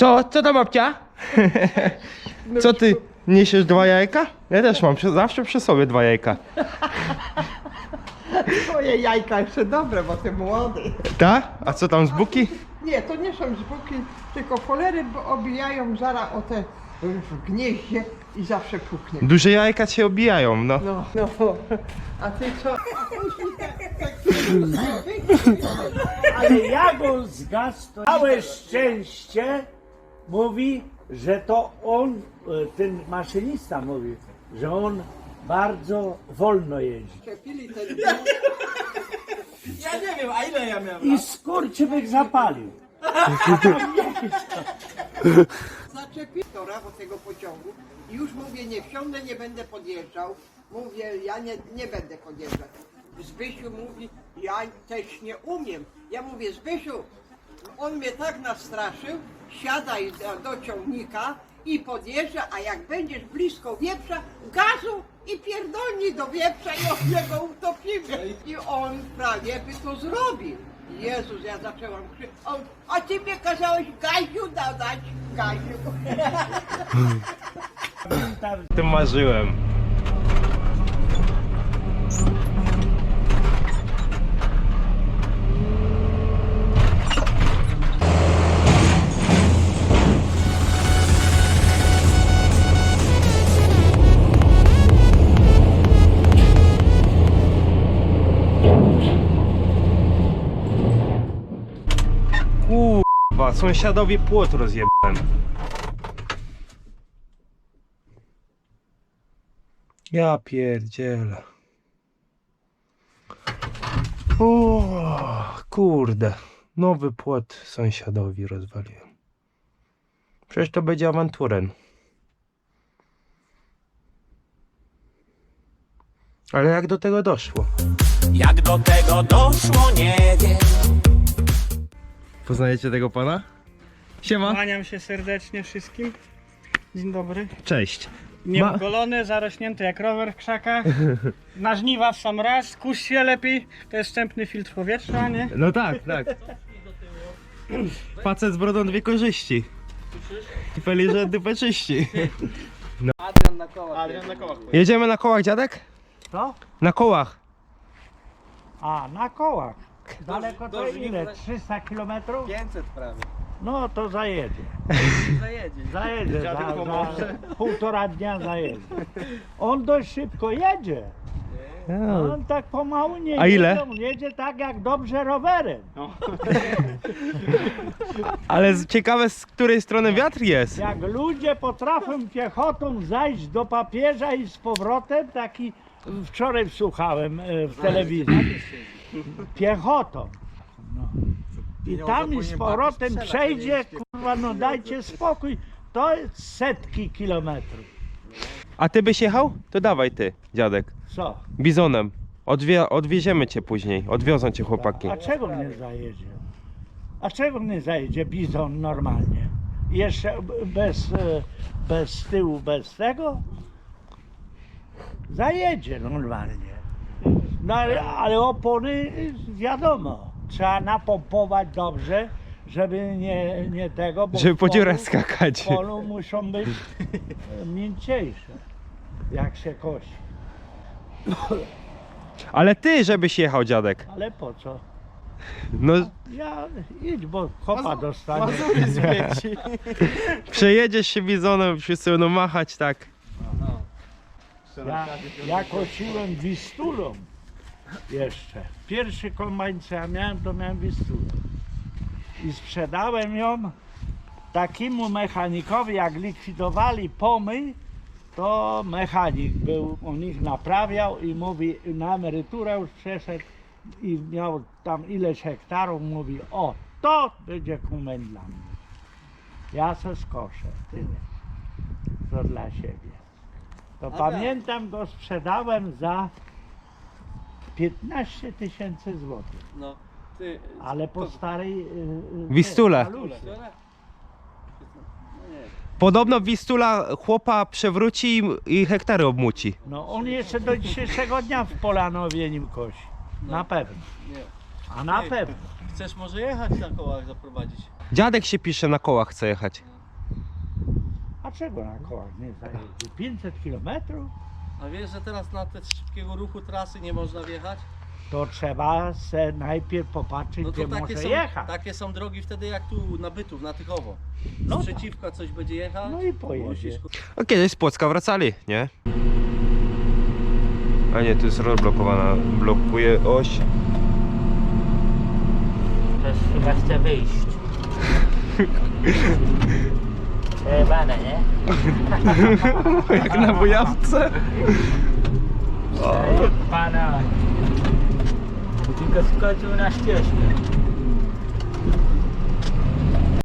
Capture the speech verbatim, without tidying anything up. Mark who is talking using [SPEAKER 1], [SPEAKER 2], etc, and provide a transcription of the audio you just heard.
[SPEAKER 1] Co? Co tam, babcia? Co ty, niesiesz dwa jajka? Ja też mam przy, zawsze przy sobie dwa jajka.
[SPEAKER 2] Twoje jajka jeszcze dobre, bo ty młody.
[SPEAKER 1] Tak? A co tam z buki?
[SPEAKER 2] Nie, to nie są zbuki, tylko folery bo obijają zaraz o te w gnieździe i zawsze puknie.
[SPEAKER 1] Duże jajka się obijają, no.
[SPEAKER 2] No, no. A ty co?
[SPEAKER 3] Ale jak on zgasł, to całe szczęście mówi, że to on, ten maszynista mówi, że on bardzo wolno jeździ.
[SPEAKER 4] Ja nie wiem, a ile ja miałem?
[SPEAKER 3] I skurczybyk zapalił.
[SPEAKER 2] Zaczepię tora do tego pociągu i już mówię, nie wsiądę, nie będę podjeżdżał. Mówię, ja nie, nie będę podjeżdżać. Zbysiu mówi, ja też nie umiem. Ja mówię, Zbysiu, on mnie tak nastraszył, siadaj do, do ciągnika i podjeżdża, a jak będziesz blisko wieprza, gazu i pierdolnij do wieprza i od niego utopimy. I on prawie by to zrobił. Jezus, ja zaczęłam krzyczeć, a ty mnie kazałeś gaziu dodać, gaziu.
[SPEAKER 1] O tym marzyłem. Kurwa, sąsiadowi płot rozjebałem. Ja pierdzielę. O, kurde. Nowy płot sąsiadowi rozwaliłem. Przecież to będzie awanturem. Ale jak do tego doszło?
[SPEAKER 4] Jak do tego doszło, nie wiem.
[SPEAKER 1] Poznajecie tego pana? Siema.
[SPEAKER 5] Kłaniam się serdecznie wszystkim. Dzień dobry.
[SPEAKER 1] Cześć.
[SPEAKER 5] Nieogolony, zarośnięty jak rower w krzakach. Na żniwa w sam raz, kuś się lepiej. To jest wstępny filtr powietrza, nie?
[SPEAKER 1] No tak, tak. Facet z brodą dwie korzyści. Peli, że dupę czyści.
[SPEAKER 4] Adrian na kołach.
[SPEAKER 5] Adrian na kołach.
[SPEAKER 1] Jedziemy na kołach, dziadek?
[SPEAKER 3] To?
[SPEAKER 1] Na kołach.
[SPEAKER 3] A, na kołach. Daleko
[SPEAKER 4] do
[SPEAKER 3] to
[SPEAKER 4] Żniw
[SPEAKER 3] ile?
[SPEAKER 4] za-
[SPEAKER 3] trzysta kilometrów?
[SPEAKER 4] pięćset prawie.
[SPEAKER 3] No to zajedzie.
[SPEAKER 4] Zajedzie.
[SPEAKER 3] Zajedzie, za,
[SPEAKER 5] Dziadek
[SPEAKER 3] za
[SPEAKER 5] pomoże.
[SPEAKER 3] półtora dnia zajedzie. On dość szybko jedzie. On tak pomału nie
[SPEAKER 1] A ile?
[SPEAKER 3] jedzie, on jedzie tak jak dobrze rowerem.
[SPEAKER 1] Ale z- ciekawe, z której strony wiatr jest.
[SPEAKER 3] Jak ludzie potrafią piechotą zajść do papieża i z powrotem, taki wczoraj słuchałem e, w telewizji. Piechotą. No. I tam i z powrotem przejdzie, kurwa, no dajcie spokój. To jest setki kilometrów.
[SPEAKER 1] A ty byś jechał? To dawaj ty, dziadek.
[SPEAKER 3] Co?
[SPEAKER 1] Bizonem. Odwie odwieziemy cię później. Odwiozą cię chłopaki.
[SPEAKER 3] A czego mnie zajedzie? A czego mnie zajedzie bizon normalnie? Jeszcze bez, e, bez tyłu, bez tego? Zajedzie normalnie. No ale, ale opony wiadomo, trzeba napompować dobrze, żeby nie, nie tego, bo
[SPEAKER 1] Żeby
[SPEAKER 3] w
[SPEAKER 1] po dziurach
[SPEAKER 3] polu-
[SPEAKER 1] skakać.
[SPEAKER 3] w polu muszą być e, mięciejsze, jak się kosi.
[SPEAKER 1] Ale ty, żebyś jechał, dziadek.
[SPEAKER 3] Ale po co?
[SPEAKER 1] No,
[SPEAKER 3] Ja idź, bo kopa dostanie.
[SPEAKER 1] przejedziesz się bizonem, wszyscy będą machać tak.
[SPEAKER 3] Ja, ja kosiłem wistulą jeszcze. Pierwszy kombajn co ja miałem, to miałem wistulę. I sprzedałem ją takiemu mechanikowi, jak likwidowali pomyj, to mechanik był, on ich naprawiał i mówi, na emeryturę już przeszedł i miał tam ileś hektarów, mówi, o, to będzie kombajn dla mnie. Ja se skoszę, tyle. To dla siebie. To pamiętam, go sprzedałem za piętnaście tysięcy złotych,
[SPEAKER 4] No, ty...
[SPEAKER 3] ale po starej... y, y,
[SPEAKER 1] Wistule.
[SPEAKER 3] palusie.
[SPEAKER 4] No nie.
[SPEAKER 1] Podobno Wistula chłopa przewróci i, i hektary obmuci.
[SPEAKER 3] No on jeszcze do dzisiejszego dnia w Polanowie nim kosi. Na pewno.
[SPEAKER 4] Nie.
[SPEAKER 3] A na
[SPEAKER 4] Nie.
[SPEAKER 3] pewno.
[SPEAKER 4] Chcesz może jechać na kołach zaprowadzić?
[SPEAKER 1] Dziadek się pisze, na kołach chce jechać.
[SPEAKER 3] Dlaczego na kołach nie zajedzie? pięćset kilometrów?
[SPEAKER 4] A wiesz, że teraz na te szybkiego ruchu trasy nie można wjechać?
[SPEAKER 3] To trzeba se najpierw popatrzeć,
[SPEAKER 4] No
[SPEAKER 3] gdzie
[SPEAKER 4] to takie
[SPEAKER 3] może
[SPEAKER 4] są,
[SPEAKER 3] jechać.
[SPEAKER 4] takie są drogi wtedy jak tu na Bytów, na Tychowo.
[SPEAKER 3] No
[SPEAKER 4] Z
[SPEAKER 3] tak.
[SPEAKER 4] przeciwka coś będzie jechać.
[SPEAKER 3] No i pojedzie.
[SPEAKER 4] musisz,
[SPEAKER 1] A kiedyś z Płocka wracali, nie? A nie, tu jest rozblokowana, blokuje oś.
[SPEAKER 6] Ktoś chyba chce wyjść. Przejebane, nie?
[SPEAKER 1] Jak na bojawce.
[SPEAKER 6] Pana. Tylko skoczył na ścieżkę.